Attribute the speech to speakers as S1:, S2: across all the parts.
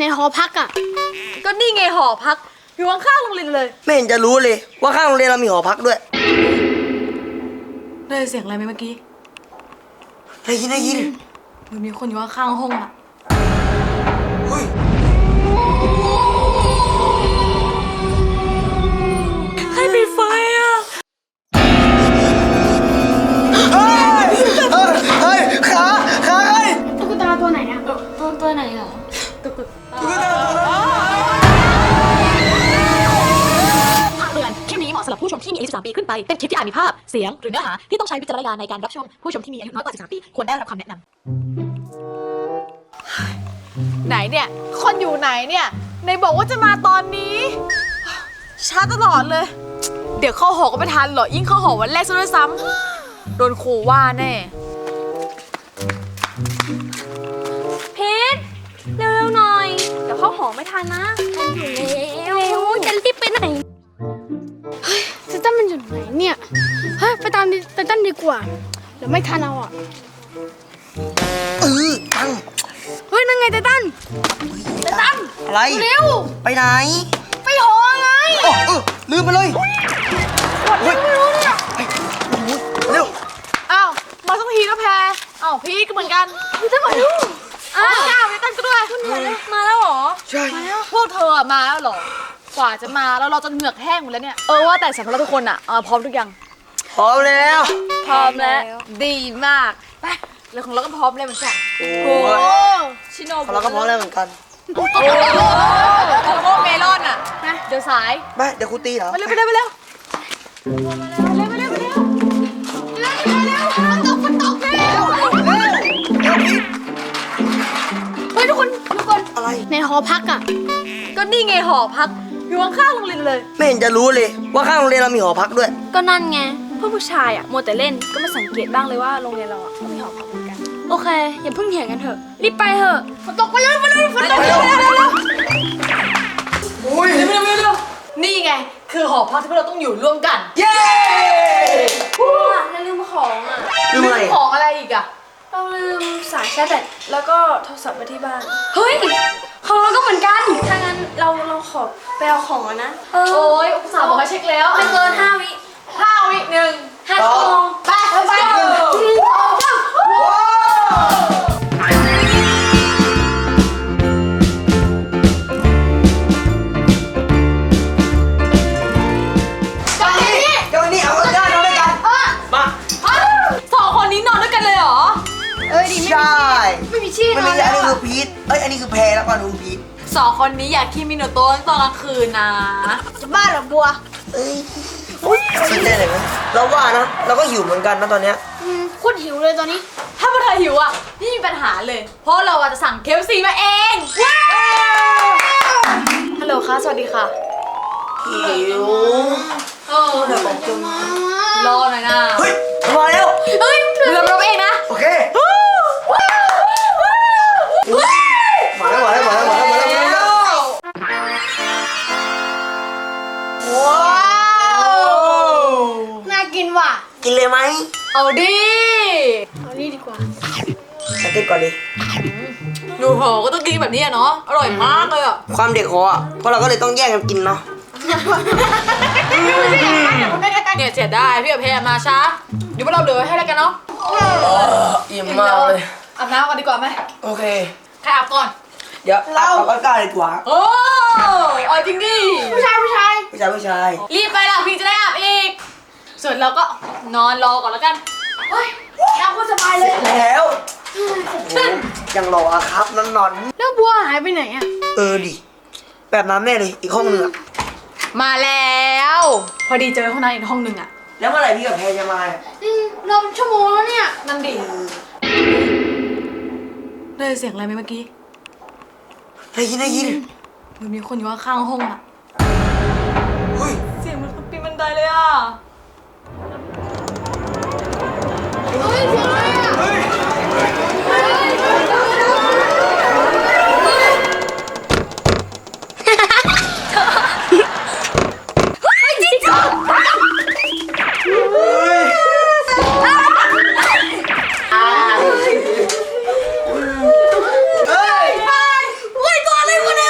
S1: ในหอพักอ่ะ
S2: ก็นี่ไงหอพักอยู่ข้างๆโรงเรียนเลย
S3: ไม่เห็นจะรู้เลยว่าข้างโรงเรียนเรามีหอพักด้วย
S2: ได้เสียงอะไรไหมเมื่อกี้
S3: ได้ยิน
S2: มันมีคนอยู่ข้างๆห้องอ่ะ
S3: เฮ้ย
S2: ใครปิดไฟอ่ะ
S3: เฮ้ยขาใคร
S1: ตุ๊กตาตัวไหนอ่ะ
S2: ตัวไหนเหรอตุ๊กตา
S3: ตัวนั้น
S4: เตือนคลิปนี้เหมาะสำหรับผู้ชมที่มีอายุ13 ปีขึ้นไป เป็นคลิปที่อาจมีภาพ เสียง หรือเนื้อหาที่ต้องใช้วิจารณญาณในการรับชม ผู้ชมที่มีอายุน้อยกว่า13 ปีควรได้รับคำแนะน
S2: ำไหนเนี่ยคนอยู่ไหนเนี่ยในบอกว่าจะมาตอนนี้ช้าตลอดเลยเดี๋ยวเข้าหอก็ไม่ทันหรอกยิ่งเข้าหอวันแรกซะด้วยซ้ำโดนครูว่าแน่
S1: พีทเร็วๆหน่อยเดี๋ยวเข้าหอไม่ทันนะทันอยู่แล้วจะรีบไปไหนเฮ้ยไตตันมันอยู่ไหนเนี่ยเฮ้ยไปตามไตตันดีกว่าเดี๋ยวไม่ทันเอาอ่ะ
S3: ตั้ง
S1: เฮ้ยนั่นไงไตตัน
S3: อะไร
S1: เร็ว
S3: ไปไหน
S1: ไปหอไง
S3: ลืมไปเลย
S1: ไม่รู้เนี่ย
S3: เร็ว
S2: อ้าวมาสักทีแล้วแพรอ้าวพี่ก็เหมือนกัน
S1: พี่จะมาดู
S2: อ้าวจ้าไปตั้งก็ด้วยมาแล้วเหรอ
S3: ใช่
S2: พวกเธอมาแล้วเหรอกว่าจะมาแล้วเราจนเหงือกแห้งหมดแล้วเนี่ยว่าแต่สำหรับทุกคนอ่ะพร้อมทุกอย่าง
S3: พร้อมแล้ว
S2: พร้อมแล้วดีมากไปแล้วของเราก็พร้อมเลยเหมือนกัน
S3: โอ้
S2: ชิโน
S3: เราก็พร้อมแล้วเหมือนกัน
S2: โอ้เมลอนอ่ะนะเดี๋ยวสาย
S3: ไปเดี๋ยวครูตีเหรอ
S2: ไปเร็วไปเร็วไปเร็วฝนตกเร็ว
S1: เฮ้ยทุกคน
S3: อะไร
S1: ในหอพักอ่ะ
S2: ก็นี่ไงหอพักอยู่ข้างๆโรงเรียนเลย
S3: ไม่เห็นจะรู้เลยว่าข้างโรงเรียนเรามีหอพักด้วย
S1: ก็นั่นไงพวกผู้ชายอ่ะมัวแต่เล่นก็ไม่สังเกตบ้างเลยว่าโรงเรียนเราอ่ะก็มีหอพักเหมือนกันโอเคอย่าเพิ่งเถียงกันเถอะรีบไปเถอะฝนตกไปเลยฝนตก
S3: อุ้ย
S2: เร็วนี่ไงคือหอพักที่พวกเราต้องอยู่ร่วมกัน
S3: เย้
S1: แล้วลืมของอ่ะ
S3: ลืมอะไร
S2: ของอะไรอีกอ่ะ
S1: เราลืมสายชาร์จแบตแล้วก็โทรศัพท์ไว้ที่บ้านเฮ้ยของเราก็เหมือนกันถ้างั้นเราขอไปเอาของนะ
S2: โอ้ยอุตส่าห์บอกให้เช็คแล้ว
S1: ไม่เกิน5 วิ
S2: 1
S1: 5 ชั่วโมงไป
S3: ใช่
S1: ไม่มีชื่อ
S3: มันมีอันนี้คือพีทอันนี้คือแพรแล้วก็นูพีท
S2: 2 คนนี้อยากคิมิโนโตะตอนกลางคืนนะ
S1: จะบ้าหรอบัว
S3: คิดได้เลยไหมเราว่านะเราก็หิวเหมือนกันนะตอนเนี้ย
S1: โคตรหิวเลยตอนนี้
S2: ถ้าพวกเธอหิวอ่ะนี่มีปัญหาเลยเพราะเราจะสั่งKFCมาเองว้าวฮัลโหลค่ะสวัสดีค่ะ
S3: หิว
S2: เดี๋ยวบอกจุ๊รอหน่อยนะ
S3: เฮ้ยมาแล้ว
S2: เฮ้ยเราเองนะ
S3: โอเคมาแล้วว้าว
S1: น่ากินว่ะ
S3: กินเลยไหม
S2: เอาดิ
S1: ดีกว่า
S3: มากินก่อนดิ
S2: อยู่หอก็ต้องกินแบบนี้เนาะอร่อยมากเลยอ่ะ
S3: ความเด็กหอเพราะเราก็เลยต้องแย่งกันกินเนาะ
S2: เนี่ยเสียได้พี่กับแพรมาช้าเดี๋ยวพวกเราเหลือให้แล้วกันเนาะ
S3: อิ่มมากเลย
S2: อาบน้ำก่อนดีกว่าไหม
S3: โอเค
S2: ใครอาบก่อน
S3: เดี๋ยวเราก็กล้าดีกว่า
S2: โอ้เอาจริงดิ
S1: ผู้ชาย
S2: รีบไปล่ะพี่จะได้อาบอีกส่วนเราก็นอนรอก่อนแล้วกัน
S1: เฮ้ยเราก็สบายเลย
S3: แล้วยังรอครับนอน
S1: แล้วบัวหายไปไหนอ่ะ
S3: ดิแบบนั้นแน่เลยอีกห้องนึง
S2: มาแล้วพอดีเจอห้องนั้นอีกห้องนึงอ่ะ
S3: แล้วเมื่อไหร่พี่กับแพรจะมา
S1: เราชั่วโมงแล้วเนี่ย
S2: นั่นดิได้เสียงอะไรไหมเมื่อกี้
S3: ได้ยิน
S2: มันมีคนอยู่ข้างห้องอ่ะ
S3: เฮ้ย
S2: เสียงมันปีนบันไดเลยอ่ะ
S1: เฮ้ยเสียงอะไรอ่ะ
S2: ตัวอะไรวะ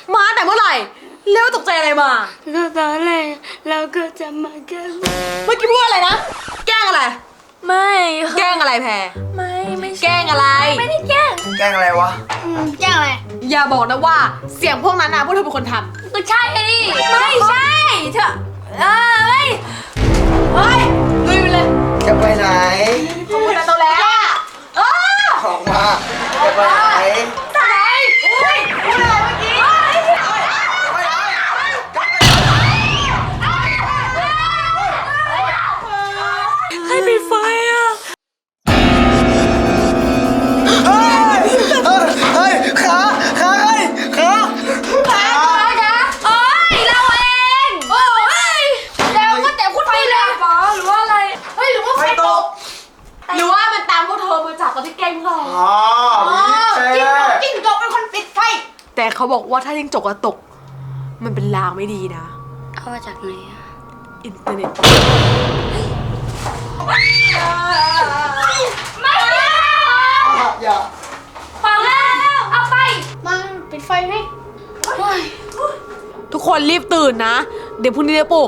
S2: มาแต่เมื่อไหร่เร็วตกใจอะไรมา
S1: ก็ตอนแรกเราก็จะมาแกล้ง
S2: เมื่อกี้พูดอะไรนะ แกล้งอะไร
S1: ไม่
S2: แกล้งอะไรแพร
S1: ไม่ใช่
S2: แกล้งอะไร
S1: ไม่ได้แกล้ง
S3: แกล้งอะไรวะ
S1: แกล้งอะไร
S2: อย่าบอกนะว่าเสียงพวกนั้นนะพวกเธอเป็นคนท
S1: ก็ใช่ดิไม่ใช่เธอไม่
S2: ำเฮ้ยลุยไปเลย
S3: จะไปไหน
S2: พวกคุณนั้นโตแล้วเออ
S3: ออกมา จะไปไหน
S2: ไหนเฮ้ยพูดอะไรเมื่อกี้
S1: ให้ปิดไฟอ่ะ
S3: เฮ้ยขาเฮ้ยขา
S1: โอ๊ยเราเองโอ๊ยแล้วก็แต่พูดไปเลยหรอหรือว่าอะไรเฮ้ยหรือว่าไฟตก
S2: หรือว่ามันตามพวกเธอมาจากตอนที่แกล้งพวกเรา
S3: อ๋อ
S1: จิ้งจกเป็นคนปิดไฟ
S2: แต่เขาบอกว่าถ้าจิ้งจกอะตก มันเป็นลางไม่ดีนะ
S1: เอามาจากไหนอ่ะ
S2: อินเทอร์เน็ต
S1: ไม่ได้
S3: อย่า
S1: ฟังแล้วเอาไปมาปิดไฟให้
S2: ทุกคนรีบตื่นนะ เดี๋ยวพรุ่งนี้จะปลุก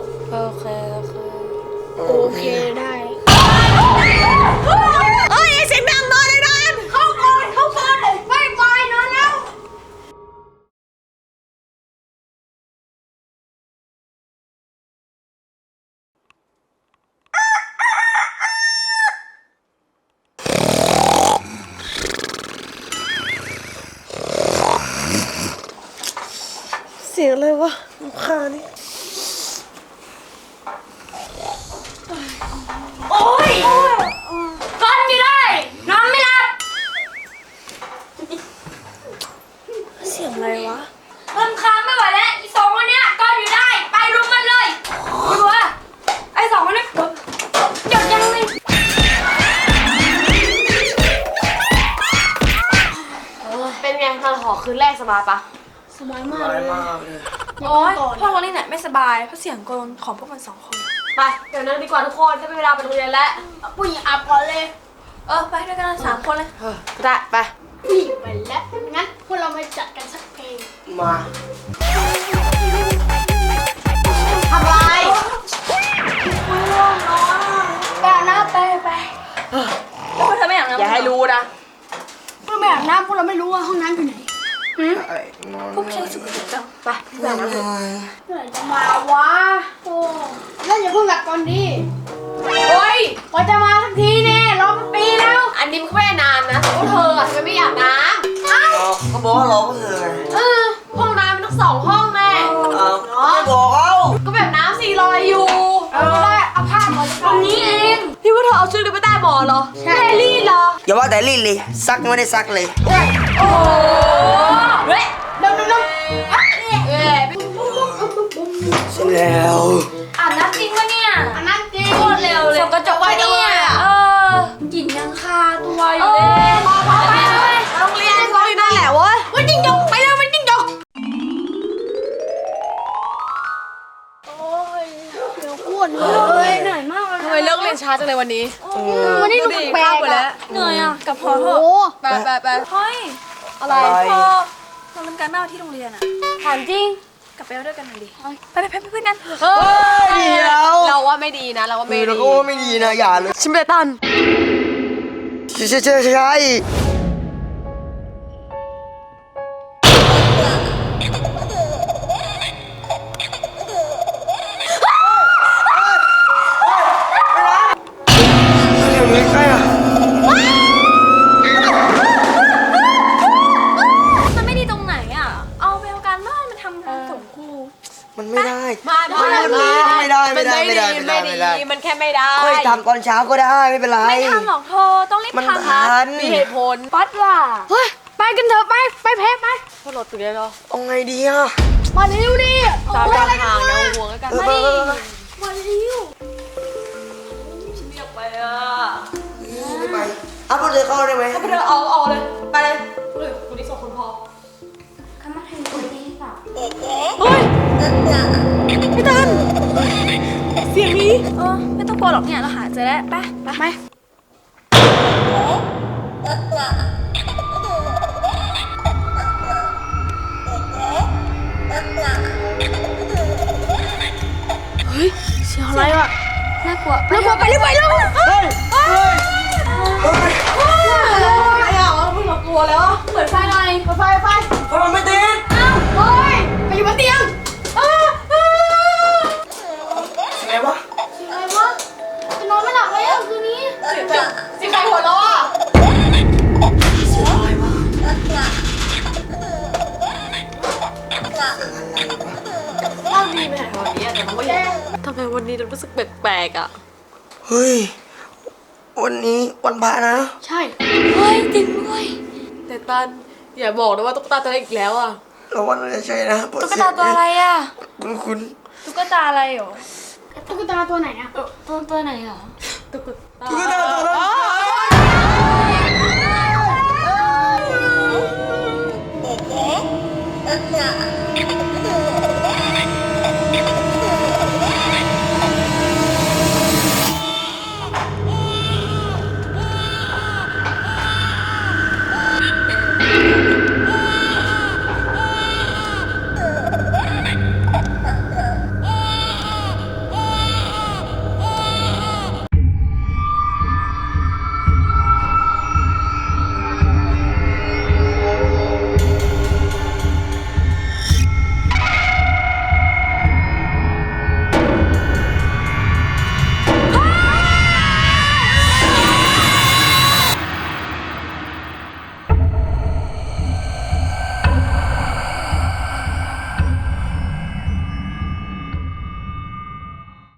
S1: โอเคได้
S2: เอ้ยเสียงดังนอนเลยนอน
S1: เข้าก่อนไปนอนแล้ว
S3: เสียงอะไรวะลูกค้านี่
S1: โอ๊ยก้อนไม่ได้นอนไม่หลับ
S3: เสียงอะไรวะ
S1: รำคาญไม่ไหวแล้วอีสองคนเนี้ยก้อนอยู่ได้ไปรุมมันเลยไม่รู้ว่าไอ้สองคนนี้หยุดยังเลย
S2: เป็นไงนอนหอคืนแรกสบายปะ
S1: สบายมาก
S3: อะไร
S1: เลย
S3: มากเลย
S5: โอ๊ยพวกเรานี่แหละไม่สบายเพราะเสียงกรนของพวกมันสองคน
S2: ไปเดี๋ยวนั่งดีกว่าทุกคนจะเป็นเวลาไปโรงเรียนแล้ว
S1: ผู้หญิงอาบก่อนเลย
S5: ไปด้วยกันสามคนเลย
S2: ได้ไป
S1: ผู้หญิงไปแล้วงั้นพวกเรามาจัดกันสักเพลง
S3: มา
S2: ทำไร
S1: ไปอาบน้ำไป
S5: แล้วพวกเธอไม่อยากน้ำ
S2: อย่าให้รู้นะ
S1: พวกเราไม่อาบน้ำพวกเราไม่รู้ว่าห้องน้ำอยู่ไหน
S5: พวกฉันสุขจัง
S2: ไปแบบนั้น
S1: เมื่อไหร่จะมาวะโอ้แล้วอย่าเพิ่งหลับก่อนดิ
S2: โอ้ย
S1: กว่าจะมาสักทีเนี่ยรอเป็นปีแล้ว
S2: อันนี้มันก็ไม่ได้นานนะแต่พวกเธออะทำไมไม่อยากน้
S3: เขาบอกว่าเราก็เธอไง
S2: ำห้องน้ำมันต้อง2 ห้องแม่
S3: ไม่บอกเขา
S2: ก็แบบน้ำ4ลอยอยู่
S1: เอาผ้าก่อนตรงนี้เอง
S2: พี่ว่าเธอเอาชุดนี้ไปใต้หมอนเหรอ
S1: ใช่
S2: แฮร์รี่เหรอ
S3: อย่าว่าแต่รีดเลยซักไม่ได้ซักเลย
S2: โอ้เฮ้ย
S1: เร็ว
S2: เอ้ย
S3: เสร็จแล้ว
S5: อาบน้ำจริงปะเนี่ย
S1: อันนั้นจริง
S5: โคตรเร็วเลย
S2: ส่องกระจกไว้จังเลยอะ
S5: กลิ่นยังคาตัวอยู่เลย
S2: โรงเรียนก็อยู่นั่นแหละเว้ย
S1: มันจิ้งจกไปแล้วมันจิ้งจกอ้วนเลยเหนื่อยมากเลย
S2: ทำไมเลิกเรียนช้าจังเลยวันนี้
S1: วันนี้ดู
S2: ดี
S1: แปล
S2: ข้าว
S1: ก
S2: หมด
S1: ๆ
S2: แล้ว
S1: อะ
S5: เหนื่อยอ่ะกับพอเถ
S1: โอ้
S5: อะ
S2: ไปไป
S5: เฮ้ย
S2: อะไร
S5: พอเราทำการบ้านที่โรงเรียนอ่ะ
S1: ถามจริง
S5: กลับไปเอาด้วยกันหน่อยดิไปเพื่อนกัน
S2: เฮ้ย
S3: เดี๋ยว
S2: เราว่าไม่ดีนะ เราว่าไม่
S3: เรา
S2: ดี
S3: ก็ว่าไม่ดีนะอย่าเลย
S2: ชิมเบตัน
S3: ใช่ไม่ใช่อะ
S5: มันไม่ดีตรงไหนอ่ะเอาไปเอาการบ้านมาทำงานส่งครู
S3: มันไม่ได้
S2: ไม่ได้
S3: ไม่ได้
S2: มันแค่ไม่ได้
S3: ค่อยทำตอนเช้าก็ได้ไม่เป็นไร
S5: ไม่ทำหรอกเธอต้องรีบ
S3: มัน
S5: ทำ
S3: ทัน
S2: มีเหตุผล
S5: ปัดว่า
S1: เฮ้ยไปกันเถอะไปแพ้ไป
S2: พวกเราตื่นได้แล้ว
S3: เอาไงดีอะ
S1: มาเร็วดิ
S2: ตามทางนะห่วงแล้วกัน
S1: มาเร็ว
S5: อยากไปอ่ะ
S3: ไม่ไปเอาพวกเธอเข้าได้ไหม
S2: เธอเอาเลย ไปเลยคุณนี่2 คนพอ
S5: คำว่าไทยคนดีเปล่า
S2: เฮ้ยพี่ตันเสียงนี้
S5: ไม่ต้องกลัวหรอกเนี่ยเราหาเจอแล้วไป
S1: อะไรวะน่ากลัวไปไปเร็ว
S3: เฮ้ย เฮ้ย
S2: อะไรอ่ะมึงกลัวแล้ว
S1: เปิดไฟหน่อย
S2: ไฟ
S3: ไฟมันไม่ติด
S1: เฮ้ยไปอยู่บนเตียง
S3: ไงวะ
S1: อะไรวะจะนอนไม่หลับเลยอ่ะคืนนี้
S2: สิใครหัวเราะอ่ะ
S3: อะไรวะ
S2: เล่าดีไปไหนวันนี้แต่มันก็ยังทำไมวันนี้เรารู้สึกแปลกๆอ่ะ
S3: เฮ้ย วันนี้วันพระนะ
S1: ใช่เฮ้ยจริงด้วย
S2: แต่ตันอย่าบอกนะว่าตุ๊กตาตัวเล็กอีกแล้วอ่ะ
S3: แล้ววันอะไรใช่นะ
S5: ตุ๊กตาตัวอะไรอ่ะ
S3: คุณ
S5: ตุ๊กตาอะไรหรอ
S1: ตุ๊กตาตัวไหนอ่ะ
S5: ตัวไหนหรอ
S2: ตุ๊กตา
S3: ตุ๊กตาตัวนั้น